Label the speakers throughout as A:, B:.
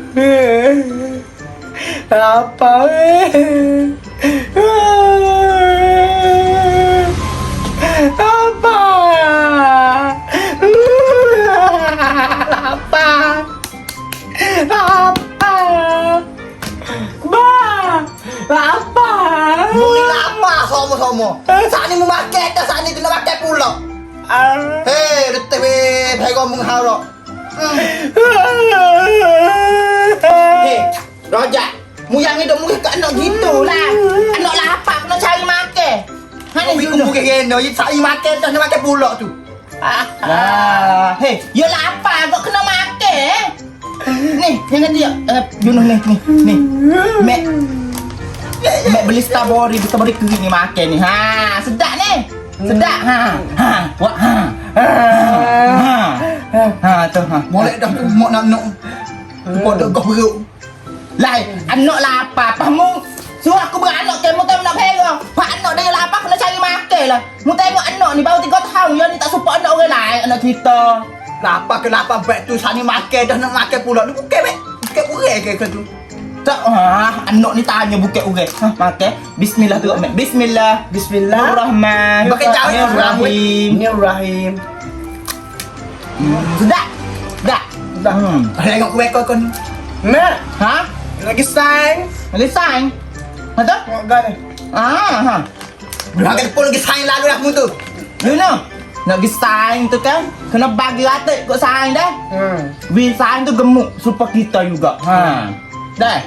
A: Apa apa apa apa ba apa
B: Muni lama sama-sama. Saat ni memakai tak saat ni kena makan pula. Hei, letih weh, pegong mung hao lo. Hei, Rojak, mu yang hidup mu kat anak gitu lah. Anak lapar kena cari makan. Hani you mungkin kena, you cari makan tak nak makan pula tu. Hei, you lapar kau kena makan. Ni, jangan dia. You know ni. Mek beli strawberry kering ni makan ni. Ha, sedap ni. Sedap. Wah. Tu. Molek dah tu mak nak. Pada kau perut. Lai, anak lapar. Pamu suruh aku beranak ke mu tak nak perang. Pak anak dia lapar kena cari makan lah. Mu tengok anak ni baru 3 tahun dia ni tak support anak orang lain, anak kita. Lapar ke lapar baik tu sani makan dah nak makan pula. Ni bukan mek. Bukan orang ke tu. Tak, anak ni tanya bukan orang. Makan. Bismillah tu, Mek. Bismillah. Bismillahirrahmanirrahim. Pakai Bismillahirrahmanirrahim. Bismillahirrahmanirrahim. Sudah. Tengok kuih kau ni.
A: Mek,
B: Ha?
A: lagi sayang.
B: Lagi sign? Ada?
A: Makan ni.
B: Makan pun lagi sign lalu dah mu tu. You know? Nak pergi sign tu kan, kena bagi rata ikut sign dah. Vì sign tu gemuk supaya kita juga. Dah.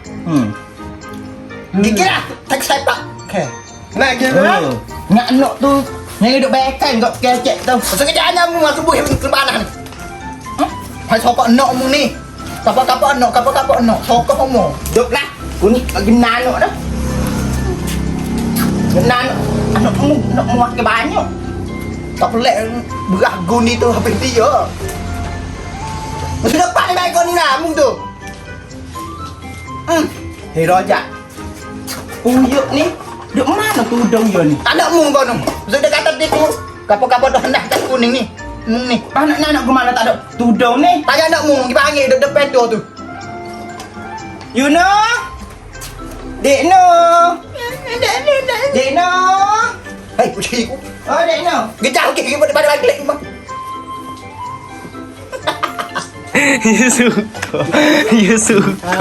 B: Gigi lah, tak sepak.
A: Okey. Nak gila.
B: Nak anak tu yang hidup bekan kat kecek tu. Pasal kerjaan mu masuk buih kebanan. Hai sokok anak mu ni. Kapal anak. Sokok mu. Duk lah. Ku ni lagi anak dah. Anak mu makan banyak. Tak pelik beras guni tu habis dia. Mesti depan ni baik kau ni lah mu tu. Hei Rojak. Uyuk ni duk mana tudung dia ni? Tak ada mu kau tu. Sudah kata dia tu. Kapal dah hendak tak kuning ni. Ni. Anak ke mana tak ada tudung ni? Tak ada mu pergi panggil duk depan tu. You know? Dek no. Hei, kucing aku. Oh, Dek no. Gejau ke pada balik rumah.
C: You suka.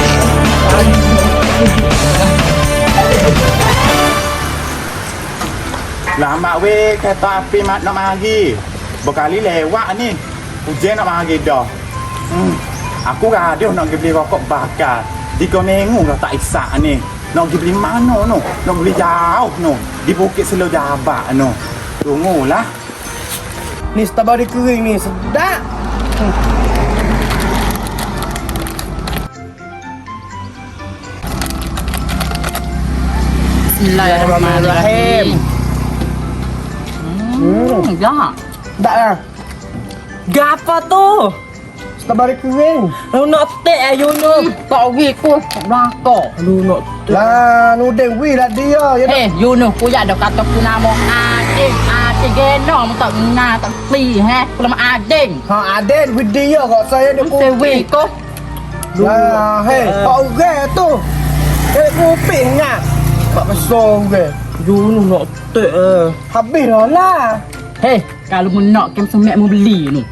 C: Lama weh kereta api mat nak mari. Berkali lewat ni. Hujan nak mari dah. Aku gaduh nak pergi beli rokok bakar. 3 minggu dah tak isak ni. Nak pergi beli mana no? Nak beli jauh no. Di Bukit Selau Jabak no. Tunggulah.
A: Ni strawberry kering ni sedap.
B: Bismillahirrahmanirrahim. Ya.
A: Tak lah.
D: Gapa tu?
A: Strawberry kering.
D: Lu nak tek you know. Tak pergi ku belakang.
A: Lu nak lah nudeng wi lah dia.
D: Eh, you know ku ya dah kata ku nama Ading geno tak ngah tak pi ku nama Ading.
A: Ha Aden with dia kok saya ni
D: Ku sewi ku.
A: Lah hei, pak orang tu. Dia kopi ngah. Pak besar ke.
D: You know nak tek
A: Habis dah lah.
D: Hey, kalau mu nak kem semek mu beli nu.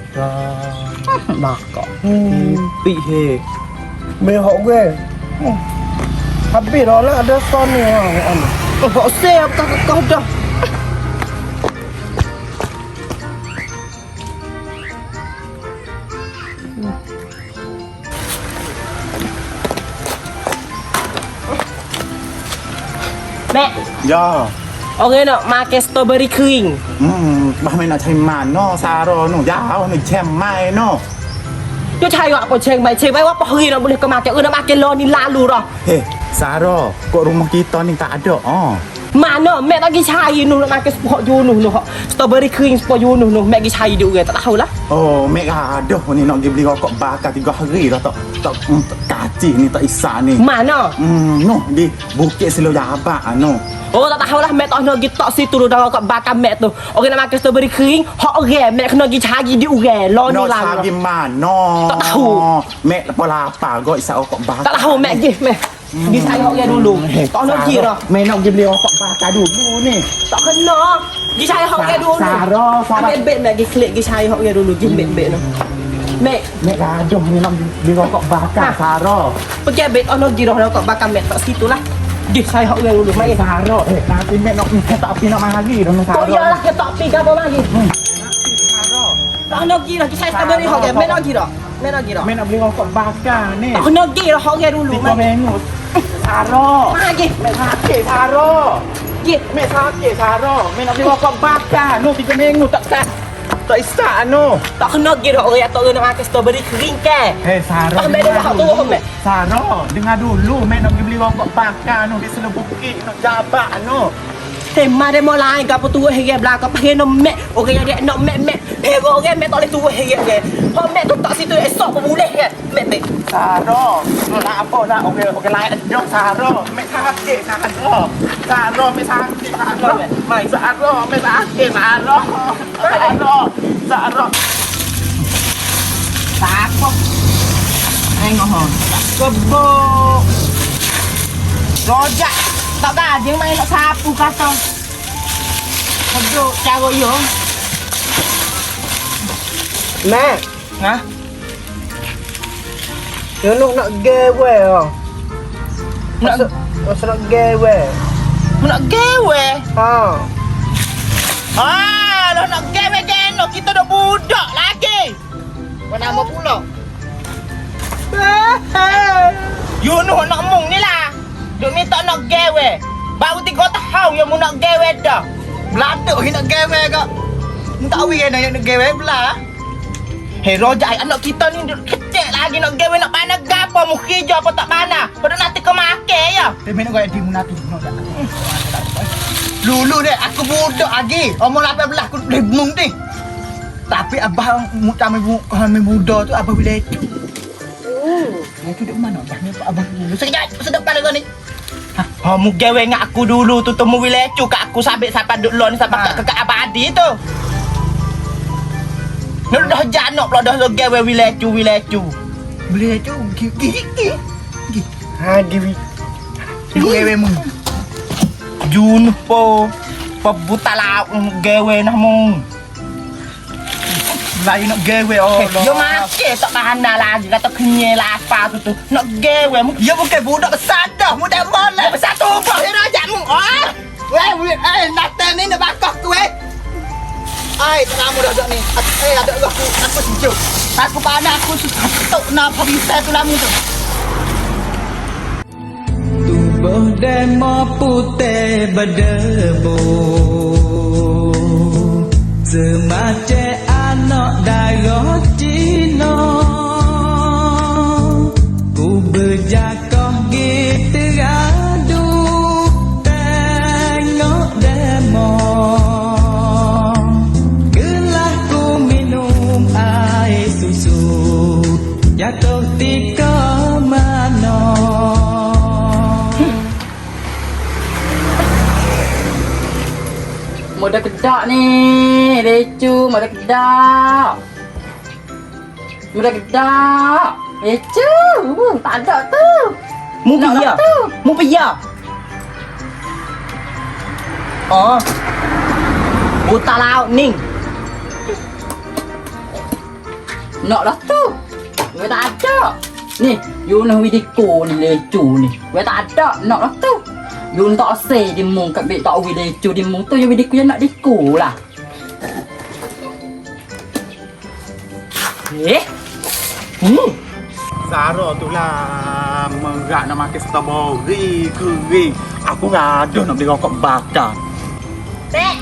D: Bakak.
A: Pi he. Mehok ke. Habis dah lah ada son ni ha.
D: Kau siap kau dah. Mek,
C: Ya.
D: orang nak makan strawberry kering.
C: Bah mai nak cari mana saro no. Jauh no cemai no.
D: Dia cari apa ceng mai wa apa hari nak boleh kau makan. Nak makan lo ni lalu dah.
C: Hei, Saro, kok rumah kita ni tak ada?
A: Mana mek tak pergi cari nak makan sepok junuh tu. Strawberry kering sepok junuh tu. Mek pergi cari dia orang tak tahulah.
C: Oh, mek ada ni nak pergi beli rokok bakar 3 hari dah tak kacih ni tak isah ni.
A: Mana?
C: No, di Bukit Selo Jabak no.
A: Oh tak tahulah mek tak nak pergi tok situ tu dah rokok bakar mek tu. Orang nak makan strawberry kering, hak orang mek kena pergi cari dia orang. Lo ni
C: No,
A: lah.
C: cari mana?
A: Tak tahu.
C: Mek lapar kau isah rokok bakar.
A: Tak tahu mek pergi mek. Pergi cari hak orang dulu. Tak nak pergi dah.
C: Mek nak pergi beli rokok bakar dulu ni.
A: Tak kena. Pergi cari hak orang dulu.
C: Saro,
A: Ambil beg mek pergi klik pergi cari hak orang dulu. Pergi beg tu. Mek,
C: mek gaduh ni nak beli rokok bakar Saro.
A: pergi beg tak nak pergi dah rokok bakar mek tak situ lah. Pergi cari hak orang dulu. Mai.
C: Saro, nanti mek nak tak api nak mari dah Saro.
A: Kau iyalah ke tak pergi apa lagi. Tak nak pergi dah. Pergi cari strawberry hak orang. Mek nak pergi dah. Mek nak pergi dah.
C: Mek nak beli rokok bakar ni.
A: Tak kena pergi dah hak orang dulu.
C: Tiga minggu. Saro.
A: Mari.
C: Mek sakit Saro.
A: Pergi.
C: Mek sakit Saro. Mek nak beli rokok bakar. No 3 minggu tak isah no.
A: Tak kena pergi dah orang tak nak makan strawberry kering ke.
C: Hei Saro.
A: Tak ambil dah hak tu mek.
C: Saro, dengar dulu Mek nak pergi beli rokok bakar no di Selo Bukit nak Jabak no.
A: Tema demo lain ke apa tu hege belakang pakai no mek. Orang yang dia nak mek. Hero orang mek tak boleh tu hege ke. Hak mek tu tak situ esok pun boleh ke. Mek.
C: Saro, nak apa nak okey lain dah Saro. Mek sakit Saro. Saro mek sakit Saro. Mai Saro mek sakit Saro. Saro.
A: Takut.
B: Tengok
A: Kebok. Rojak. Tak gaji main nak sapu kata. Kebok cara yo. Mek.
B: Ha?
A: Yo nak gawe ah. Nak gawe.
B: Nak gawe?
A: Ha.
B: Lo nak gawe geno kita dah budak lagi. Kau nama pula. You nak mung ni lah. Duk minta nak gawe. Baru 3 tahun yang mu nak gawe dah. Beladuk nak gawe kak. Mu tak tahu kan nak gawe belah. Hei Rojak, anak kita ni kecil lagi nak gawe nak panah gapo mu kerja apa tak panah. Pada nanti kau makan ya. Tapi nak gawe di mu nanti. Lulu deh, aku budak lagi. Umur 18 aku lebung ni. Tapi abah mu kami muda tu abah bila itu. Itu di mana abahnya Pak Abah dulu. Sedap kali kau ni. Ha, mu gawe dengan aku dulu tu temu wilecu kat aku sampai duk lon sampai kat abadi tu. Nak dah janak pula dah gawe wilecu. Wilecu gigi.
A: Ha giwi.
B: Gawe mu. Jun po buta lauk gawe nah mu. Lain nak gawe Allah. Yo makan tak tahan lagi kata kenyal lapar tu. Nak gawe mu. Yo bukan budak besar dah. Mu dah boleh besar tu apa? Ya rajak mu. Natan ni nak bakar tu Ai, kamu dah ada ni. Ada aku sejuk. Aku panas aku tuk nak habis tu lamu tu.
E: Tubuh demo putih berdebu semacam anak darah Cina. Ku berjakoh gitu radu tengok demo. Gelah ku minum air susu jatuh tika mana.
D: Mudah kedak ni, Lecu, mudah kedak. Lecu, tak ada tu.
A: Mu pergi ya? Mu pergi ya? Oh. Buta laut ni.
D: Nak dah tu. Gue tak ada. Ni, you nak video ni Lecu ni. Gue tak ada, nak dah tu. You tak say di mung kat bek tak video di mung tu you video yang nak diku lah.
C: Saro tu lah merak nak makan strawberry kering. Aku gaduh nak beli rokok bakar.
B: Mek.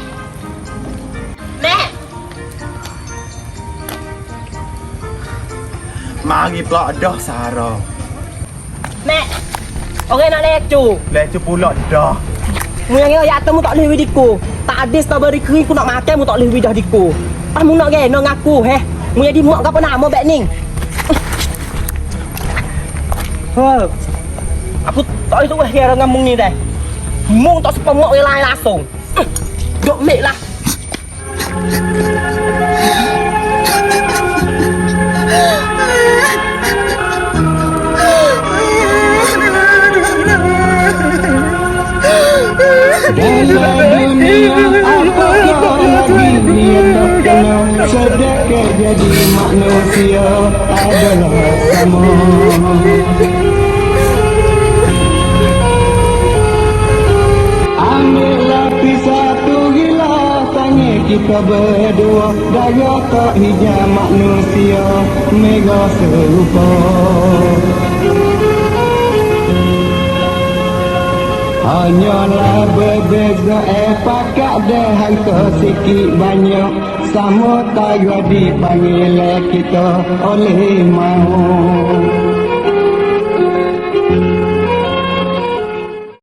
C: Mari pula dah Saro.
B: Mek.
A: Okey nak lecu.
C: Lecu pula dah.
A: Mu yang ya temu tak boleh widiku. Tak ada strawberry kering ku nak makan mu tak boleh widah diku. Ah mu nak geno ngaku he. Mu jadi mak apa nama bek ning. Ha. Aku tak boleh tu kira dengan mung ni dah. Mung tak sepa mak lain langsung. Dok mek lah.
E: Dalam dunia apakah lagi yang tak kenal sedekah jadi manusia adalah sama. Ambillah pisah tu gila tanya kita berdua gaya tak hijau manusia mega serupa. Hanyalah berbeza pakat dah harta sikit banyak sama tayo dipanggil kita oleh mahu.